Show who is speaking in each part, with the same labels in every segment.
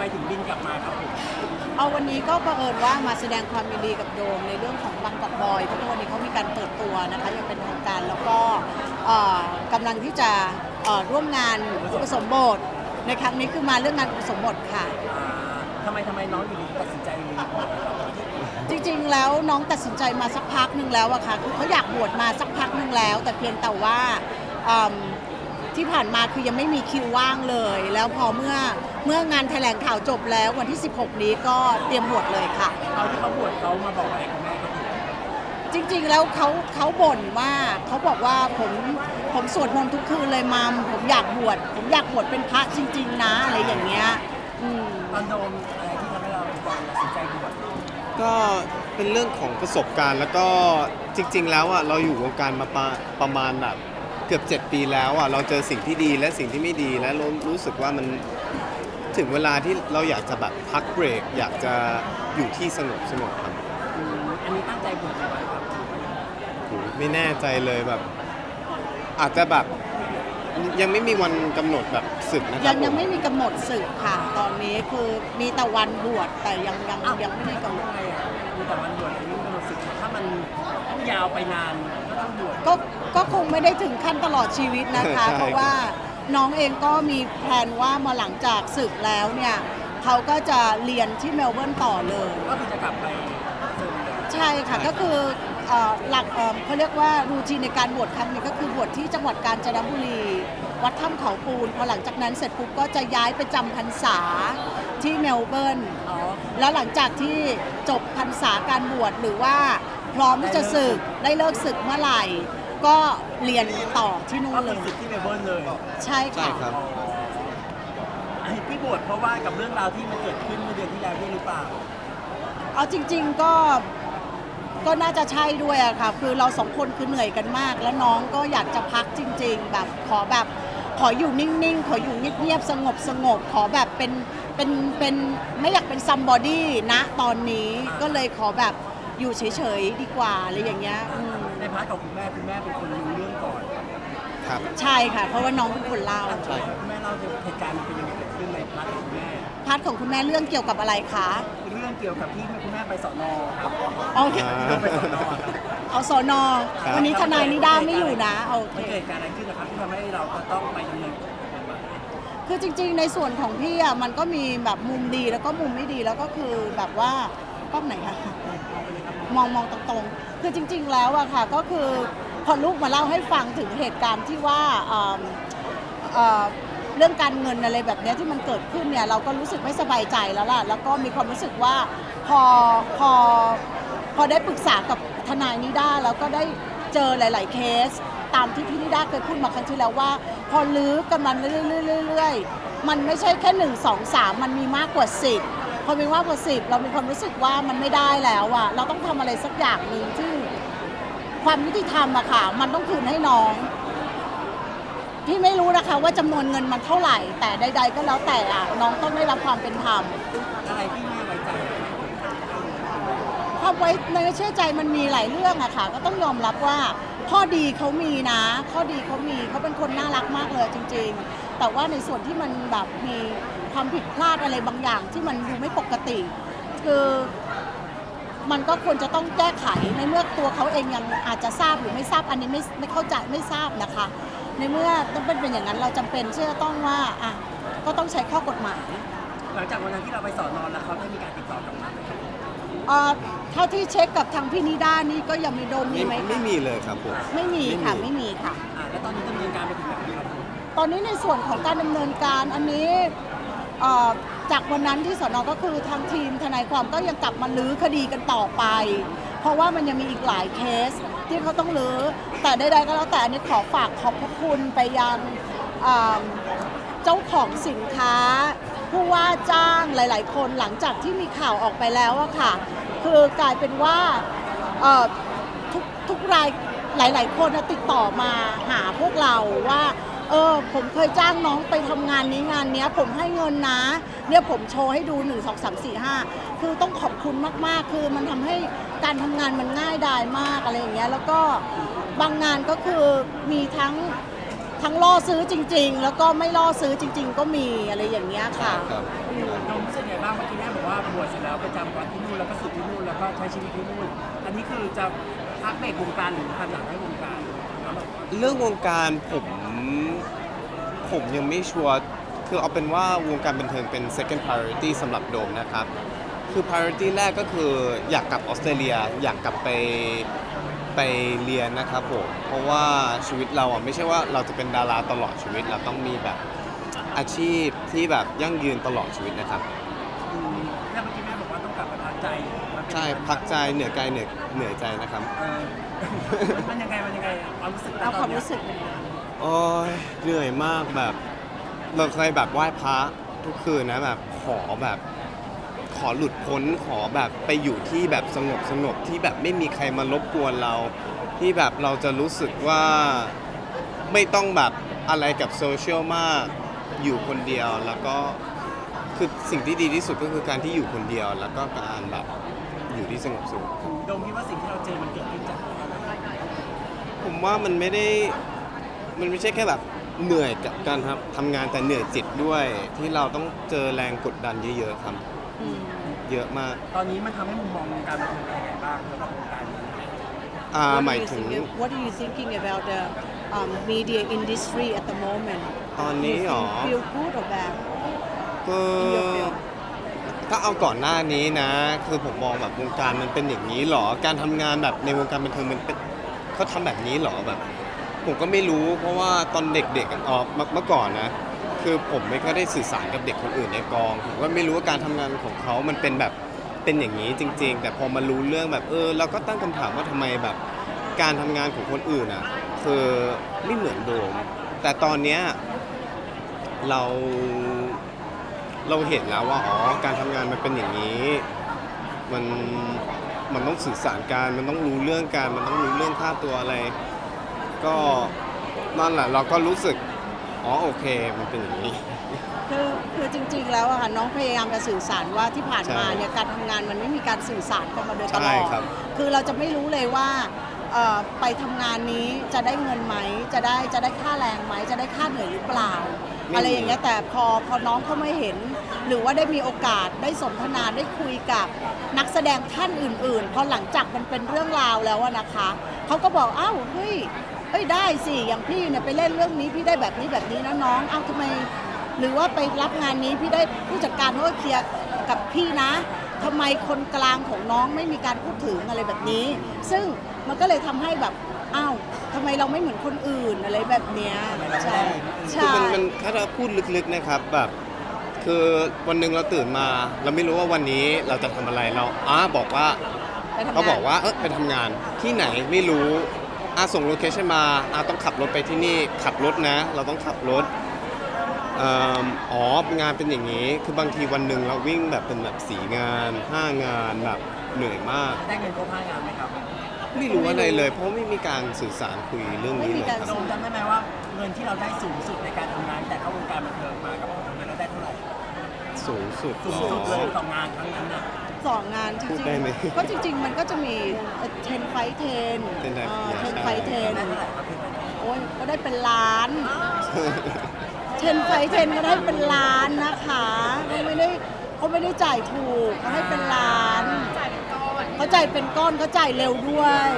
Speaker 1: ถึงบินกลับมาครับผม
Speaker 2: เอาวันนี้ก็บังเอิญว่ามาแสดงความยินดีกับโดมในเรื่องของบางกอกบอยเพราะวันนี้เขามีการเปิดตัวนะคะยังเป็นทางการแล้วก็กำลังที่จะร่วมงานอุปสมบทในครั้งนี้คือมาเรื่องงานอุปสมบทค่ะ
Speaker 1: ทำไมน้องอยู่ดีตัดสินใจบวชครับ
Speaker 2: จริงๆแล้วน้องตัดสินใจมาสักพักหนึ่งแล้วอะค่ะคือเขาอยากบวชมาสักพักหนึ่งแล้วแต่เพียงแต่ว่าที่ผ่านมาคือยังไม่มีคิวว่างเลยแล้วพอเมื่องานแถลงข่าวจบแล้ววันที่ 16 นี้ก็เตรียมบวชเลยค่ะ
Speaker 1: ตอนที่เขาบวชเขามาบอกอะไรคุณแม่ครับ
Speaker 2: จริงๆแล้วเขาบ่นว่าเขาบอกว่าผมสวดมนต์ทุกคืนเลยมัมผมอยากบวชเป็นพระจริงๆนะอะไรอย่างเงี้ย
Speaker 1: ตอนโดนอะไรที่ทำให้เราตัดสินใจบวช
Speaker 3: ก็เป็นเรื่องของประสบการณ์แล้วก็จริงๆแล้วอ่ะเราอยู่วงการมาประมาณแบบเกือบ7 ปีแล้วอ่ะเราเจอสิ่งที่ดีและสิ่งที่ไม่ดีและรู้สึกว่ามันถึงเวลาที่เราอยากจะแบบพักเบรกอยากจะอยู่ที่สงบครับ
Speaker 1: อันนี้ตั้งใจบวชไหมครับ
Speaker 3: ไม่แน่ใจเลยแบบอาจจะแบบยังไม่มีวันกำหนดแบบศึกนะครับ
Speaker 2: ยังไม่มีกำหนดศึกค่ะตอนนี้คือมีแต่วันบวชแต่ยังไม่ได้กำหนด
Speaker 1: มีแต่วันบวชไม่มีกำหนดศึกถ้ามันต้องยาวไปนานก็ต้องบวช
Speaker 2: ก็คงไม่ได้ถึงขั้นตลอดชีวิตนะคะเพราะว่าน้องเองก็มีแผนว่ามาหลังจากศึกแล้วเนี่ยเขาก็จะเรียนที่เมลเบิร์นต่อเลย
Speaker 1: ก็คือจะกลับไป
Speaker 2: ใช่ค่ะก็คือหลักเขาเรียกว่ารูทีนในการบวชครั้งนี้ก็คือบวชที่จังหวัดกาญจนบุรีวัดถ้ำเขาปูนพอหลังจากนั้นเสร็จปุ๊บก็จะย้ายไปจำพรรษาที่เมลเบิร์นแล้วหลังจากที่จบพรรษาการบวชหรือว่าพร้อมที่จะศึกได้เลิกศึกเมื่อไหร่ก็เรียนต่อที่นู่นเลย
Speaker 1: ที่เมลเบิร์นเลย
Speaker 2: ใช่ค่ะ
Speaker 1: ที่บวชเพราะว่ากับเรื่องราวที่มันเกิดขึ้นเมื่อเดือนที่แล้วด้วยหรือเปล่า
Speaker 2: เอาจริงๆก็น่าจะใช่ด้วยอะค่ะคือเรา2 คนคือเหนื่อยกันมากแล้วน้องก็อยากจะพักจริงๆแบบขออยู่นิ่งๆขออยู่เงียบๆสงบขอแบบเป็นไม่อยากเป็นซัมบอดี้นะตอนนี้ก็เลยขอแบบอยู่เฉยๆดีกว่าอะไรอย่างเงี้ย
Speaker 1: ในพาร์ทของคุณแม่เป็นคนรู้เรื่องก่อน
Speaker 3: ครับ
Speaker 2: ใช่ค่ะเพราะว่าน้องเป็นคนเล่า
Speaker 1: คุณแม่เล่าเหตุการณ์มันเป็นยังไงเกิดขึ้นในพาร์ทของคุณแม่
Speaker 2: พาร์ทของคุณแม่เรื่องเกี่ยวกับอะไรคะ
Speaker 1: เรื่องเกี่ยวกับที่คุณแม่ไปสน.ครับ
Speaker 2: โอเค
Speaker 1: ไปสน.
Speaker 2: เอาสน.วันนี้ทนายนิด้าไม่อยู่นะโอเค
Speaker 1: เกิดการอะไรขึ้นนะครับที่ทำให้เราต้องไปดำเนิน
Speaker 2: คือจริงๆในส่วนของพี่อ่ะมันก็มีแบบมุมดีแล้วก็มุมไม่ดีแล้วก็คือแบบว่ากล้องไหนคะมองตรงๆคือจริงๆแล้วอะค่ะก็คือพอลูกมาเล่าให้ฟังถึงเหตุการณ์ที่ว่าเรื่องการเงินอะไรแบบนี้ที่มันเกิดขึ้นเนี่ยเราก็รู้สึกไม่สบายใจแล้วล่ะแล้วก็มีความรู้สึกว่าพอได้ปรึกษากับทนายนิด้าแล้วก็ได้เจอหลายๆเคสตามที่พี่นิด้าเคยพูดมาครั้งที่แล้วว่าพอลื้อกันมันเรื่อยๆมันไม่ใช่แค่1 2 3มันมีมากกว่า10พอมีมากกว่า10เรามีความรู้สึกว่ามันไม่ได้แล้วอะเราต้องทำอะไรสักอย่างหนึ่งที่ความยุติธรรมอะค่ะมันต้องคืนให้น้องพี่ไม่รู้นะคะว่าจำนวนเงินมันเท่าไหร่แต่ใดๆก็แล้วแต่อะน้องต้องได้รับความเป็นธรรม
Speaker 1: อะไรที่แม่ไว้ใจ
Speaker 2: ความไว้ในเชื่อใจมันมีหลายเรื่องอะค่ะก็ต้องยอมรับว่าข้อดีเขามีนะข้อดีเขาเป็นคนน่ารักมากเลยจริงๆแต่ว่าในส่วนที่มันแบบมีความผิดพลาดอะไรบางอย่างที่มันดูไม่ปกติคือมันก็ควรจะต้องแก้ไขในเมื่อตัวเขาเองยังอาจจะทราบหรือไม่ทราบอันนี้ไม่เข้าใจไม่ทราบนะคะในเมื่อต้องเป็นอย่างนั้นเราจำเป็นที่จะต้องว่าก็ต้องใช้ข้อกฎหมาย
Speaker 1: หลังจากวันนั้นที่เราไปสอนนอนแล้วเขาได้มีการติดต่อกลับมาไหม
Speaker 2: เท่าที่เช็คกับทางพี่นิด้านี่ก็ยังมีโดมมีไหม
Speaker 3: ไม่มีเลยครับผม
Speaker 2: ไม่มีค่ะไม่มีค่ะ
Speaker 1: แล้วตอนนี้ดำเนินการไปถึงไหนครับ
Speaker 2: ตอนนี้ในส่วนของการดำเนินการอันนี้จากวันนั้นที่สน.ก็คือทางทีมทนายความก็ยังกลับมาลื้อคดีกันต่อไปเพราะว่ามันยังมีอีกหลายเคสที่เขาต้องลื้อแต่ใดๆก็แล้วแต่อันนี้ขอฝากขอบพระคุณไปยังเจ้าของสินค้าผู้ว่าจ้างหลายๆคนหลังจากที่มีข่าวออกไปแล้วอะค่ะคือกลายเป็นว่าทุกรายหลายๆคนติดต่อมาหาพวกเราว่าผมเคยจ้างน้องไปทำงานนี้ผมให้เงินนะเนี่ยผมโชว์ให้ดู1 2 3 4 5คือต้องขอบคุณมากๆคือมันทำให้การทำงานมันง่ายดายมากอะไรอย่างเงี้ยแล้วก็บางงานก็คือมีทั้งทั้งล่อซื้อจริง ๆ แล้วก็ไม่ล่อซื้อจริง ๆ ก็มีอะไรอย่างเงี้ยค่ะ
Speaker 3: ครับ
Speaker 1: น้องรู้สึกไงบ้างเมื่อกี้แม่บอกว่าบวชเสร็จแล้วไปจำวัดที่นู่นแล้วก็สึกที่นู่นแล้วก็ใช้ชีวิตที่นู่นอันนี้คือจะพักเบรกวงการหรือทำอย่างไรวงการแล้วแบบ
Speaker 3: เรื่องวงการผมยังไม่ชัวร์คือเอาเป็นว่าวงการบันเทิงเป็น second priority สำหรับโดมนะครับ คือ priority แรกก็คืออยากกลับออสเตรเลียอยากกลับไปเรียนนะครับผมเพราะว่าชีวิตเราอ่ะไม่ใช่ว่าเราจะเป็นดาราตลอดชีวิตเราต้องมีแบบอาชีพที่แบบยั่งยืนตลอดชีวิตนะครับ
Speaker 1: แล้วเมื่อกี้แม่บอกว่าต้องกลับมาพักใจมันเป็น
Speaker 3: ใช่พักใจเหนือกายเหนือใจนะครับ
Speaker 1: มันยังไงความรู้สึก
Speaker 2: เอาความรู้สึก
Speaker 3: โอ้ยเหนื่อยมากแบบเราเคยแบบไหว้พระทุกคืนนะแบบขอหลุดพ้นขอแบบไปอยู่ที่แบบสงบที่แบบไม่มีใครมารบกวนเรา ที่แบบเราจะรู้สึกว่าไม่ต้องแบบอะไรกับโซเชียลมากอยู่คนเดียวแล้วก็คือสิ่งที่ดีที่สุดก็คือการที่อยู่คนเดียวแล้วก็การแบบอยู่ที่สงบ
Speaker 1: โดมคิดว่าสิ่งที่เราเจอมันเกิดขึ้นจากอะไร
Speaker 3: ผมว่ามันไม่ใช่แค่แบบเหนื่อยกับการทำงานแต่เหนื่อยจิตด้วยที่เราต้องเจอแรงกดดันเยอะๆครับ
Speaker 2: อืม
Speaker 3: เยอะมาก
Speaker 1: ตอนนี้มันทำให้มุมมองวงการบันเทิงเป็นยังไงบ้างสำหรับวงการนี้
Speaker 3: หมายถึง
Speaker 2: What are you thinking about the media industry at the moment
Speaker 3: ตอนนี้หรอ
Speaker 2: feel good or bad
Speaker 3: ก็
Speaker 2: in your field
Speaker 3: ถ้าเอาก่อนหน้านี้นะ คือผมมองแบบวงการมันเป็นอย่างนี้หรอการทำงานแบบในวงการบันเทิงมันเป็นเขาทำแบบนี้หรอแบบ ผมก็ไม่รู้เพราะว่าตอนเด็กๆเมื่อก่อนนะ คือผมไม่ค่อยได้สื่อสารกับเด็กคนอื่นในกองผมก็ไม่รู้ว่าการทำงานของเขามันเป็นแบบเป็นอย่างนี้จริง ๆ แต่พอมารู้เรื่องแบบเราก็ตั้งคำถามว่าทำไมแบบการทำงานของคนอื่นอ่ะคือไม่เหมือนโดม แต่ตอนเนี้ยเราเห็นแล้วว่าการทำงานมันเป็นอย่างนี้มันต้องสื่อสารกันมันต้องรู้เรื่องกันมันต้องรู้เรื่องค่าตัวอะไร ก็นั่นแหละเราก็รู้สึกโอเคมันเป็นอย่างนี้
Speaker 2: คือจริงๆแล้วอะค่ะน้องพยายามจะสื่อสารว่าที่ผ่านมา
Speaker 3: ใช่
Speaker 2: เนี่ยการทำงานมันไม่มีการสื่อสารกันมาโดยตล
Speaker 3: ใช่
Speaker 2: อด
Speaker 3: ครับ
Speaker 2: คือเราจะไม่รู้เลยว่าไปทำงานนี้จะได้เงินไหมจะได้ค่าแรงไหมจะได้ค่าเหนื่อยหรือเปล่า อะไรอย่างเงี้ยแต่พอน้องเขาไม่เห็น หรือว่าได้มีโอกาสได้สนทนาได้คุยกับนักแสดงท่านอื่นๆพอหลังจากมันเป็นเรื่องราวแล้วอะนะคะเขาก็บอกอ้าวเฮ้ยได้สิอย่างพี่เนี่ยไปเล่นเรื่องนี้พี่ได้แบบนี้นะน้องอ้าวทำไม หรือว่าไปรับงานนี้พี่ได้ผู้จัดการเขาก็เคลียร์กับพี่นะทำไมคนกลางของน้องไม่มีการพูดถึงอะไรแบบนี้ ซึ่งมันก็เลยทำให้แบบอ้าวทำไมเราไม่เหมือนคนอื่นอะไรแบบเนี้ยใช่
Speaker 3: คือ
Speaker 2: ใช่
Speaker 3: มันถ้าเราพูดลึกๆนะครับแบบคือวันหนึ่งเราตื่นมา เราไม่รู้ว่าวันนี้เราจะทำอะไรเราบอกว่า
Speaker 2: ไปทำงน
Speaker 3: เขาบอกว่าไปทำงานที่ไหนไม่รู้ส่งโลเคชั่นมต้องขับรถไปที่นี่ขับรถนะ เราต้องขับรถงานเป็นอย่างนี้คือบางทีวันหนึ่งเราวิ่งแบบเป็นแบบ4 งาน5 งานแบบเหนื่อยมาก
Speaker 1: ได้เงินครบ5 งานไหมครับ
Speaker 3: ไม่รู้อะไรเลย เพราะไม่มีการสื่อสารคุยเรื่องนี้เลยค
Speaker 1: โด
Speaker 3: รับ
Speaker 1: มจำได้ไหมว่าเงินที่เราได้สูงสุดในการทำงานแต่เข้าวงการบันเทิงมากับเราทำงานเราได้เท่าไหร่
Speaker 3: สูงสุด
Speaker 1: สูงสุดเลยต่องานครั้งนั้นน่ะ
Speaker 2: สองงานจ
Speaker 3: พู
Speaker 2: ริ
Speaker 3: ด
Speaker 2: ง
Speaker 3: ได้ไหม
Speaker 2: ๆก็จริงๆมันก็จะมี10 fight 10
Speaker 3: 10
Speaker 2: 10
Speaker 3: ใช่
Speaker 2: fight
Speaker 1: ได้เท่าไหร่ครับพี่
Speaker 2: 10โอ้ยก็ได้เป็นล้าน10 fight 10ก็ได้เป็นล้านนะคะเขาไม่ได้จ่ายถูกเขาให้เป็นล้านเขาจ่ายเป็นก้อนเขาจ่ายเร็วด้วย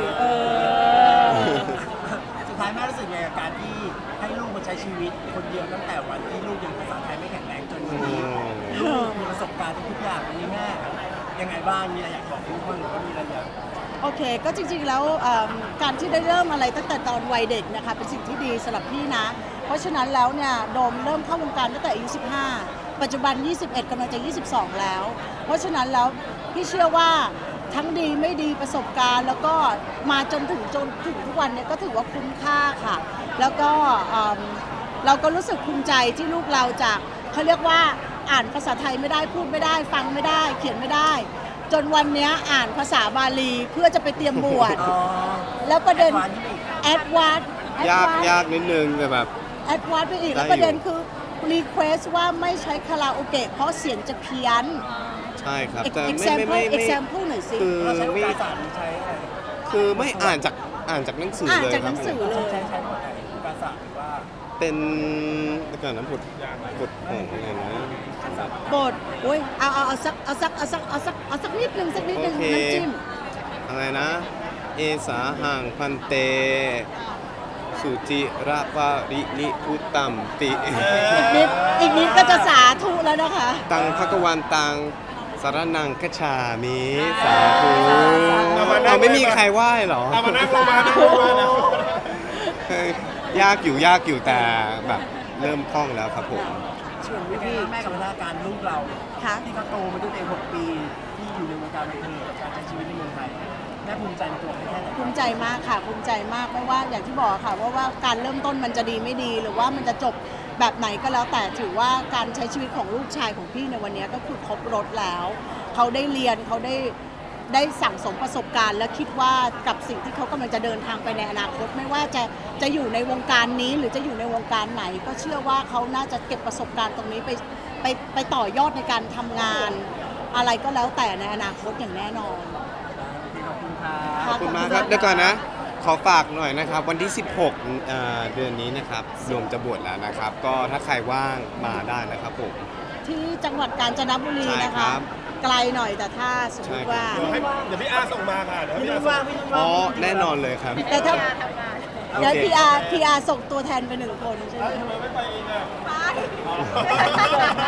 Speaker 1: สุดท้ายแม่รู้สึกไงกับการที่ให้ลูกมาใช้ชีวิตคนเดียวตั้งแต่วันที่ลูกยังภาษาไทยไม่แข็งแรงจนวันนี้ลูกมีประสบการณ์ทุกอย่างวันนี้แม่ยังไงบ้างมีอะไรอยากบอกลูกบ้างหรือว่ามีอะไรอยาก
Speaker 2: โอเคก็จริงๆแล้วการที่ได้เริ่มอะไรตั้งแต่ตอนวัยเด็กนะคะเป็นสิ่งที่ดีสำหรับพี่นะ เพราะฉะนั้นแล้วเนี่ยโดมเริ่มเข้าวงการตั้งแต่อายุ15 ปัจจุบัน 21กำลังจะ 22 แล้ว เพราะฉะนั้นแล้วพี่เชื่อว่าทั้งดีไม่ดีประสบการณ์ แล้วก็มาจนถึงทุกวันเนี่ยก็ถือว่าคุ้มค่าค่ะ แล้วก็เราก็รู้สึกภูมิใจที่ลูกเราจากเขาเรียกว่าอ่านภาษาไทยไม่ได้พูดไม่ได้ฟังไม่ได้ เขียนไม่ได้ จนวันเนี้ยอ่านภาษาบาลีเพื่อจะไปเตรียมบวช แล้วประเด็นแอดวานซ์
Speaker 3: ยากนิดนึงแต่แบบ
Speaker 2: แอดวานซ์ไปอีก
Speaker 3: ได้อยู่
Speaker 2: แล้วประเด็นคือรีเควสว่าไม่ใช้คาราโอเกะเพราะเสียงจะเพี้ยน
Speaker 3: ใช่ครับแต่ไม่
Speaker 2: example หน่อยสิ
Speaker 3: คือ
Speaker 1: เราใช้
Speaker 3: ไม่
Speaker 1: ภาษาหรือใช้อะไร
Speaker 3: คือไม่อ่านจากหนังสือ
Speaker 2: อ่าน
Speaker 3: เลย
Speaker 2: จาก
Speaker 3: ค
Speaker 2: ห
Speaker 3: รั
Speaker 2: นั
Speaker 3: บ
Speaker 2: งสือ
Speaker 3: ผม
Speaker 2: เลย
Speaker 1: ใช้หมดไหนภาษาหรือว่า
Speaker 3: เป็นเดี๋ยวก่อนนะบทของอะไรนะ
Speaker 2: บทโอ้ยเอาสักนิดนึงสักนิดนึง
Speaker 3: โอเค
Speaker 2: น้ำจิ้ม
Speaker 3: อะไรนะ เอสาหังพันเต สุจิระปารินิพุตตัมติ
Speaker 2: อีกนิดก็จะสาธุแล้วนะคะ
Speaker 3: ตังภควันตังสารนังคชามิสาธุ เราไม่มีใครไหว้เหรอ
Speaker 4: เอามานั่งลงมานั่งลงมานะ
Speaker 3: ยากอยู่แต่แบบเริ่มคล่องแล้วครับผม
Speaker 2: ชวน
Speaker 1: เป็นไง
Speaker 2: พี่
Speaker 1: บ้างแม่กับพัฒนาการลูกเรา
Speaker 2: ค่ะ
Speaker 1: ที่เขาโตมาด้วยตัวเอง6 ปีที่อยู่ในวงการบันเทิงกับการใช้ชีวิตในเมืองไทยแม่ภูมิใจในตัวเขาแค่ไหน
Speaker 2: ภูมิใจมากค่ะภูมิใจมากไม่ว่าอย่างที่บอกค่ะว่าการเริ่มต้นมันจะดีไม่ดี หรือว่ามันจะจบแบบไหนก็แล้วแต่ถือว่าการใช้ชีวิตของลูกชายของพี่ในวันนี้ก็คือครบรถแล้ว เขาได้เรียนเขาได้สั่งสมประสบการณ์ และคิดว่ากับสิ่งที่เขากำลังจะเดินทางไปในอนาคต ไม่ว่าจะอยู่ในวงการนี้หรือจะอยู่ในวงการไหน ก็เชื่อว่าเขาน่าจะเก็บประสบการณ์ตรงนี้ไปต่อยอดในการทำงาน อะไรก็แล้วแต่ในอนาคตอย่างแน่นอน
Speaker 1: ขอบคุณค่ะ
Speaker 3: ขอบคุณมากครับ เดี๋ยวก่อนนะ ขอฝากหน่อยนะครับ วันที่ 16 เดือนนี้นะครับโยมจะบวชแล้วนะครับ ก็ถ้าใครว่างมาได้นะครับผม
Speaker 2: ที่จังหวัดกาญจนบุรี
Speaker 3: ใช่
Speaker 2: นะ
Speaker 3: ครั
Speaker 2: คะ
Speaker 3: บ
Speaker 2: ไกลหน่อยแต่ถ้าสมมติว่า
Speaker 3: ใช่ครับ
Speaker 4: เดี๋ยวพี่อาส่งมาค่ะ เดี๋ยว
Speaker 1: พี่
Speaker 4: พี่
Speaker 1: นุ่
Speaker 4: อาน ส่
Speaker 1: ว่าง
Speaker 4: ง
Speaker 1: พี่นุ่น
Speaker 3: อ๋
Speaker 1: ว่า
Speaker 3: อง แน่นอนเลยครับ
Speaker 2: แต่ถ้าเดี๋ยว
Speaker 3: โอเค
Speaker 2: พีอาร์ส่งตัวแทนไป1 คนใช่ไหม
Speaker 4: ทำไมไม่ไปเองอ่ะ
Speaker 2: ไป